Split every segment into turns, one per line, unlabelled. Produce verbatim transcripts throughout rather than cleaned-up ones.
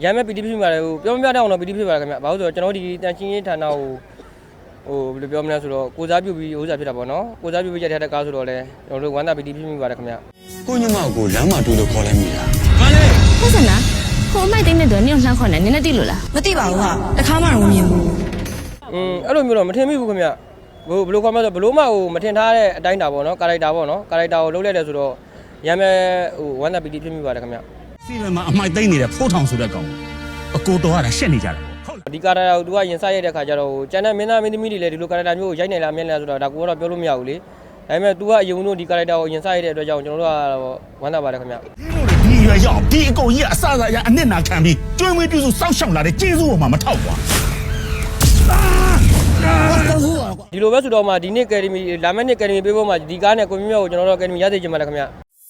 ရမ်းမဲ့ပီတိဖြစ်ပါတယ်ဟိုပြောမပြတဲ့အောင်တော့ပီတိဖြစ်ပါတယ်ခင်ဗျဘာလို့ဆိုတော့ကျွန်တော်ဒီတန်ချင်းရေးဌာနကိုဟိုဘယ်လိုပြောမလဲဆိုတော့ကိုစားပြုပြီးဥစားဖြစ်တာပေါ့နော်ကိုစားပြုပြီးရတဲ့ကားဆိုတော့လဲကျွန်တော်တို့ဝမ်းသာပီတိဖြစ်မိပါတယ်ခင်ဗျ
ကိုညမကိုလမ်းမှာတွေ့လို့ခေါ်လိုက်မိတာ
ဘာလဲဟုတ်စနာကိုအမိုက်သိတဲ့တော့နင်းလှမ်းခေါ်နေနင်းနဲ့တိလို့လား
မသိပါဘူးဟာတခါမှတော့မမြင်ဘူး
อืมအဲ့လိုမျိုးတော့မထင်မိဘူးခင်ဗျဟိုဘယ်လိုခေါ်မလဲဆိုဘလို့မှဟိုမထင်ထားတဲ့အတိုင်းတာပေါ့နော်ကာရိုက်တာပေါ့နော်ကာရိုက်တာကိုလုပ်လိုက်တယ်ဆိုတော့ရမ်းမဲ့ဟိုဝမ်းသာပီတိဖြစ်မိပါတယ်ခင်ဗျ
စီမံမှာအမိုက်သိနေတဲ့ဖိုးထောင်ဆိုတဲ့ကောင်အကိုတော်ကရှက်နေကြတာ
ပေါ့ဟုတ်ဒီကာရိုက်တာကိုသူကရင်စရိုက်တဲ့ခါကျတော့ကျန်တဲ့မင်းသားမင်းသမီးတွေလည်းဒီလိုကာရိုက်တာမျိုးကိုရိုက်နေလားမြင်နေလားဆိုတော့ဒါကိုကတော့ပြောလို့မရဘူးလေဒါပေမဲ့ तू ကအယုံတို့ဒီကာရိုက်တာကိုရင်စရိုက်တဲ့အတွက်ကြောင့်ကျွန်တော်တို့ကဝမ်းသာပါတယ်ခင်ဗျ
ဒီရွယ်ရောက်ဒီအကုန်ကြီးအစအစရအနစ်နာခံပြီးကျွေးမွေးပြုစုစောက်ရှောက်လာတဲ့ကျေးဇူးပေါ်မှာမထောက်ကွာ
ဒီလိုပဲဆိုတော့မှဒီနေ့ကယ်ဒမီလာမယ့်နေ့ကယ်ဒမီပေးဖို့မှဒီကားနဲ့ကိုမြမြကိုကျွန်တော်တို့ကယ်ဒမီရသေးချင်ပါတယ်ခင်ဗျ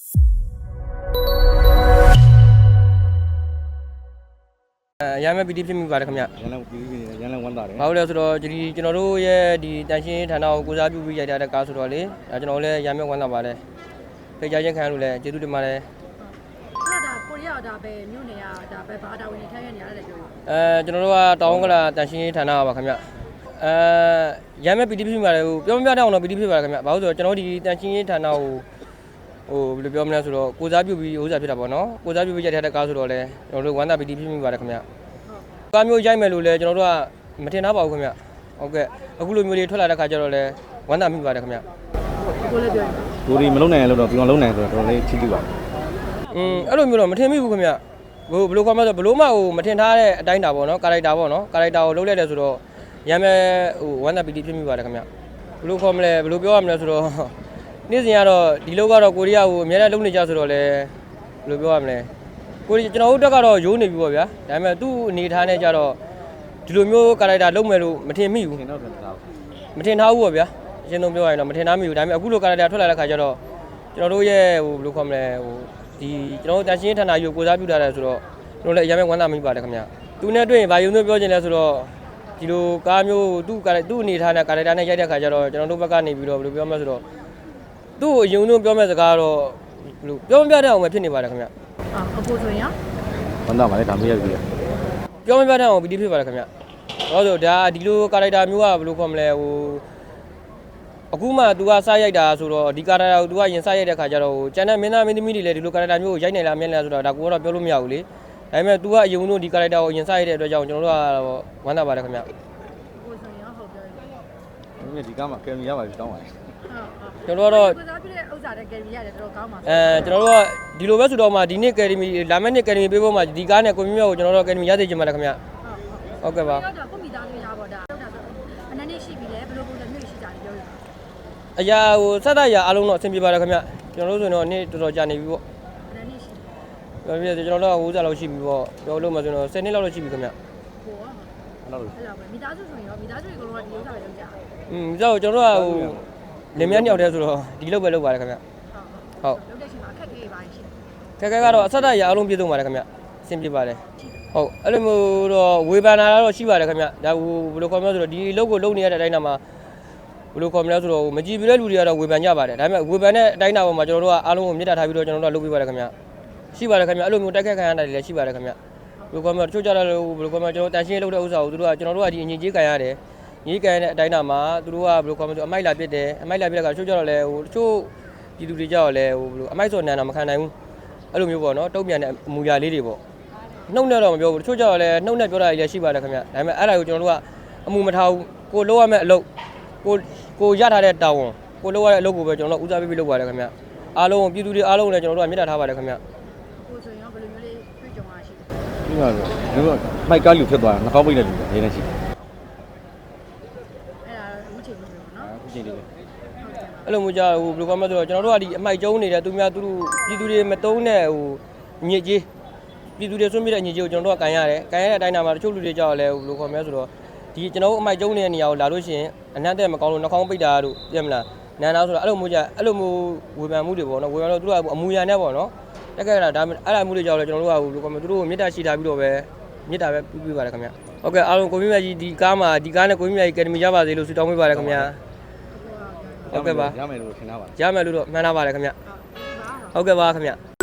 အဲရမ်းမဲ့ပီတိဖြစ်မိပါတယ်ခင်ဗျ
ရန်လည်းပီတိနေရန်လည်းဝမ်းသာတယ်
ဘာလို့လဲဆိုတော့ဒီကျွန်တော်တို့ရဲ့ဒီတန်ရှင်းဌာနကိုကိုစားပြုပြီးရိုက်ထားတဲ့ကားဆိုတော့လေဒါကျွန်တော်လည်းရမ်းမဲ့ဝမ်းသာပါတယ်ဖိတ်ကြားခြင်းခံရလို့လည်းကျေးဇူးတင်ပါတယ်
အဲ့ဒါကိုရီးယားဒါပဲမြို့နယ်ကဒါပဲဘာတာဝန်ထမ်းရနေရတယ်ပြော
အဲကျွန်တော်တို့ကတောင်းကလာတန်ရှင်းဌာနပါခင်ဗျအဲရမ်းမဲ့ပီတိဖြစ်မိပါတယ်ဟိုပြောမပြတဲ့အောင်တော့ပီတိဖြစ်ပါတယ်ခင်ဗျဘာလို့ဆိုတော့ကျွန်တော်ဒီတန်ရှင်းဌာနကိုဟိုဘယ်လိုပြောမလဲဆိုတော့ကိုစားပြုပြီးဥစားဖြစ်တာပေါ့နော်ကိုစားပြုပြီးရိုက်ထားတဲ့ကားဆိုတော့လေကျွန်တော်တို့ဝမ်းသာပီတိဖြစ်မိပါတယ်ခင်ဗျကားမျိုးရိုက်မယ်လို့လည်းကျွန်တော်တို့ကမထင်ထားပါဘူးခင်ဗျဟုတ်ကဲ့အခုလိုမျိုးလေးထွက်လာတဲ့ခါကျတော့လေဝမ်းသာမိပါတယ်ခင်ဗျ
ကိုလည်းပြောရင်
လူတွေမလုံနိုင်လို့တော့ပြောင်းလုံနိုင်ဆိုတော့တော်တော်လေးချစ်ကြည့်ပါ
อืมအဲ့လိုမျိုးတော့မထင်မိဘူးခင်ဗျဟိုဘယ်လိုခေါ်မလဲဆိုဘလို့မှဟိုမထင်ထားတဲ့အတိုင်းတာပေါ့နော်ကာရိုက်တာပေါ့နော်ကာရိုက်တာကိုလုပ်လိုက်တယ်ဆိုတော့ရမ်းမဲ့ဟိုဝမ်းသာပီတိဖြစ်မိပါတယ်ခင်ဗျဘယ်လိုခေါ်မလဲဘယ်လိုပြောရမလဲဆိုတော့နေ့စဉ်ကတော့ဒီလောက်ကတော့ကိုရီးယားကိုအများနဲ့လုံနေကြဆိုတော့လေဘယ်လိုပြောရမလဲကိုကျွန်တော်တို့တက်ကတော့ရိုးနေပြီပေါ့ဗျာဒါပေမဲ့သူ့အနေထားနဲ့ကြတော့ဒီလိုမျိုးကာရိုက်တာလုပ်မယ်လို့မထင်မိဘူး
ထင်တော့ထင်တာ
မထင်ထားဘူးပေါ့ဗျာအရှင်းဆုံးပြောရရင်တော့မထင်ထားမိဘူးဒါပေမဲ့အခုလိုကာရိုက်တာထွက်လာတဲ့ခါကျတော့ကျွန်တော်တို့ရဲ့ဟိုဘယ်လိုခေါ်မလဲဟိုဒီကျွန်တော်တို့တန်ရှင်းဌာနကြီးကိုကိုစားပြုထားတယ်ဆိုတော့ကျွန်တော်လည်းအရင်ကဝမ်းသာမိပါတယ်ခင်ဗျသူနဲ့တွေ့ရင်ဘာယုံသွင်းပြောချင်လဲဆိုတော့ဒီလိုကားမျိုးသူ့ကာသူ့အနေထားနဲ့ကာရိုက်တာနဲ့ရိုက်တဲ့ခါကျတော့ကျွန်တော်တို့ဘက်ကနေပြီးတော့ဘယ်လိုပြောမလဲဆိုတော့သူ့ကိုယုံသွင်းပြောမဲ့စကားတော့ဘယ်လိုပြောမပြတဲ့အောင်ပဲဖြစ်နေပါတယ်ခင်ဗျ
အာအကိုဆိုရင်
ဝမ်းသာပါလေဒါမရဘူး
ပြောမပြတဲ့အောင်ပီတိဖြစ်ပါတယ်ခင်ဗျဟုတ်ဆိုဒါဒီလိုကာရိုက်တာမျိုးကဘယ်လိုခေါ်မလဲဟိုအခုမှ तू ကစားရိုက်တာဆိုတော့ဒီကာရိုက်တာကို तू ကရင်စားရိုက်တဲ့ခါကျတော့ဟိုကျန်တဲ့မင်းသားမင်းသမီးတွေလည်းဒီလိုကာရိုက်တာမျိုးကိုရိုက်နိုင်လားမင်းလားဆိုတော့ဒါကိုကတော့ပြောလို့မရဘူးလေဒါပေမဲ့ तू ကအယုံတို့ဒီကာရိုက်တာကိုရင်စားရိုက်တဲ့အတွက်ကြောင့်ကျွန်တော်တို့ကဝမ်းသာပါတယ်ခင်ဗျ
ကိုဆိုရင်ဟုတ်ပြောရင်
ဒီကမှာကယ်မီရပါပြီတောင်းပါလေ
ကျွန်တော်တို့
ကိုစားပြတဲ့ဥစ္စာတဲ့ကယ်မီရတယ်တော်တော်ကောင်းပါ
အဲကျွန်တော်တို့ကဒီလိုပဲဆိုတော့မှဒီနေ့ကယ်ဒမီလာမယ့်နေ့ကယ်ဒမီပေးဖို့မှဒီကားနဲ့ကိုမြမြကိုကျွန်တော်တို့ကယ်ဒမီရသေးချင်ပါတယ်ခင်ဗျဟုတ်ကဲ့ပါ
တော့ကိုမိသားစုရပါတော့ဒါအနည်းနည်းရှိပြီလေဘယ်လိုပုံစံမျိုးရှိကြတယ်ပြောရ
အရာဟိုစက်သားရာအားလုံးတော့အဆင်ပြေပါတယ်ခင်ဗျကျွန်တော်တို့ဆိုရင်တော့နေ့တော်တော်ကြာနေပြီပေါ့
အနည်းနည်းရှိ
ပြောပြကျွန်တော်တို့ကဝိုးစားလောက်ရှိပြီပေါ့ပြောလို့မှဆိုတော့ဆယ်နှစ်လောက်တော့ရှိပြီခင်ဗျ
ဟိုအဲ့လိုအဲ့လိုပဲမိသားစုဆိုရင်ရောမိသားစုတွေကတော့ဒီဥစ္စာပဲလုပ်ကြ
อืมကြောက်ကျွန်တော်တို့ကဟိုလင်မယားနှစ်ယောက်တည်းဆိုတော့ဒီလောက်ပဲလုပ်ပါတယ်ခင်ဗျဟုတ်
လုပ်တဲ့ချိန်မှာအခက်ခဲပါရှိ
ခက်ခဲကတော့အဆက်သားရာအားလုံးပြည့်စုံပါတယ်ခင်ဗျအဆင်ပြေပါတယ်ဟုတ်အဲ့လိုမျိုးတော့ဝေဖန်တာတော့ရှိပါတယ်ခင်ဗျဒါဟိုဘယ်လိုခေါ်မလဲဆိုတော့ဒီလုပ်ကိုလုပ်နေရတဲ့အတိုင်းတာမှာဘယ်လိုခေါ်မလဲဆိုတော့မကြည့်ပြတဲ့လူတွေကတော့ဝေဖန်ကြပါတယ်ဒါပေမဲ့ဝေဖန်တဲ့အတိုင်းတာပေါ်မှာကျွန်တော်တို့ကအားလုံးကိုမြစ်တာထားပြီးတော့ကျွန်တော်တို့ကလုပ်ပေးပါတယ်ခင်ဗျရှိပါတယ်ခင်ဗျအဲ့လိုမျိုးတိုက်ခတ်ခံရတာတွေလည်းရှိပါတယ်ခင်ဗျဘယ်လိုခေါ်မလဲတချို့ကြတော့ဘယ်လိုခေါ်မလဲကျွန်တော်တန်ရှင်းလုပ်တဲ့ဥစ္စာကိုသူတို့ကကျွန်တော်တို့ကဒီအငြင်းကြီးခံရတယ်ညီးကန်တဲ့အတိုင်းတာမှာသူတို့ကဘယ်လိုခေါ်မလဲဆိုအမိုက်လာပစ်တယ်အမိုက်လာပစ်တဲ့ကတချို့ကြတော့လဲဟိုတချို့ပြည်သူတွေကြတော့လဲဟိုဘယ်လိုအမိုက်စော်နန်တာမခံနိုင်ဘူးအဲ့လိုမျိုးပေါ့နော်တုံ့ပြန်တဲ့အမူအရာလေးတွေပေါ့နှုတ်နဲ့တော့မပြောဘူးတချို့ကြတော့လဲနှုတ်နဲ့ပြောတာတွေလည်းရှိပါတယ်ခင်ဗျဒါပေမဲ့အဲ့ဒါကိုကျွန်တော်တို့ကအမူမထားဘူးကိုလုပ်ရမယ့်အလုပ်ကိုကိုရထားတဲ့တာဝန်ကိုလုပ်ရတဲ့အလုပ်ကိုပဲကျွန်တော်တို့ဦးစားပေးပြီးလုပ်ပါတယ်ခင်ဗျအားလုံးပြည်သူတွေအားလုံးလည်းကျွန်တော်တို့ကမြစ်တာထားပါတယ်ခင်ဗျ
ကိုဆိုရင်ရောဘယ်လိုမျိုးလေးတွေ့ကြုံရရှိလဲ
ဒီမှာဒီကမိုက်ကားလူဖြစ်သွားတာနှာခေါင်းပိတ်တဲ့လူတွေနေနေရှိတယ်
အခုချိန်လေးပဲနော်
အခုချိန်လေးပဲ
အဲ့လိုမျိုးကြဟိုဘယ်လိုပြောမလဲဆိုတော့ကျွန်တော်တို့ကဒီအမိုက်ကျုံးနေတဲ့သူများသူတို့ပြည်သူတွေမတုံးတဲ့ဟိုညစ်ကြီးပြည်သူတွေဆွံ့ပြတဲ့ညစ်ကြီးကိုကျွန်တော်တို့ကကန်ရတယ်ကန်ရတဲ့အတိုင်းတာမှာတချို့လူတွေကြောက်လဲဟိုဘယ်လိုခေါ်မလဲဆိုတော့ဒီကျွန်တော်တို့အမိုက်ကျုံးနေတဲ့နေရာကိုလာလို့ရှိရင်အနံ့တဲ့မကောင်းလို့နှာခေါင်းပိတ်တာတို့ပြမလားနန်းသားဆိုတော့အဲ့လိုမျိုးကြအဲ့လိုမျိုးဝေဖန်မှုတွေပေါ့နော်ဝေဖန်တော့သူတို့ကအမူအရာနဲ့ပေါ့နော်တက်ခဲ့တာဒါအဲ့လိုမှုတွေကြောက်လဲကျွန်တော်တို့ကဟိုဘယ်လိုခေါ်မလဲသူတို့ကိုမေတ္တာရှိထားပြီးတော့ပဲမေတ္တာပဲပြုပြပါတယ်ခင်ဗျဟုတ်ကဲ့အားလုံးကိုမြမြကြီးဒီကားမှာဒီကားနဲ့ကိုမြမြကြီးအကယ်ဒမီရပါစေလို့ဆုတောင်းပေးပါတယ်ခင်ဗျဟုတ်ကဲ့ပါ
ရမယ်လို့ထင်တာပါ
ရမယ်လို့တော့မှန်းထားပါတယ်ခင်ဗျဟုတ်ကဲ့ပါခင်ဗျ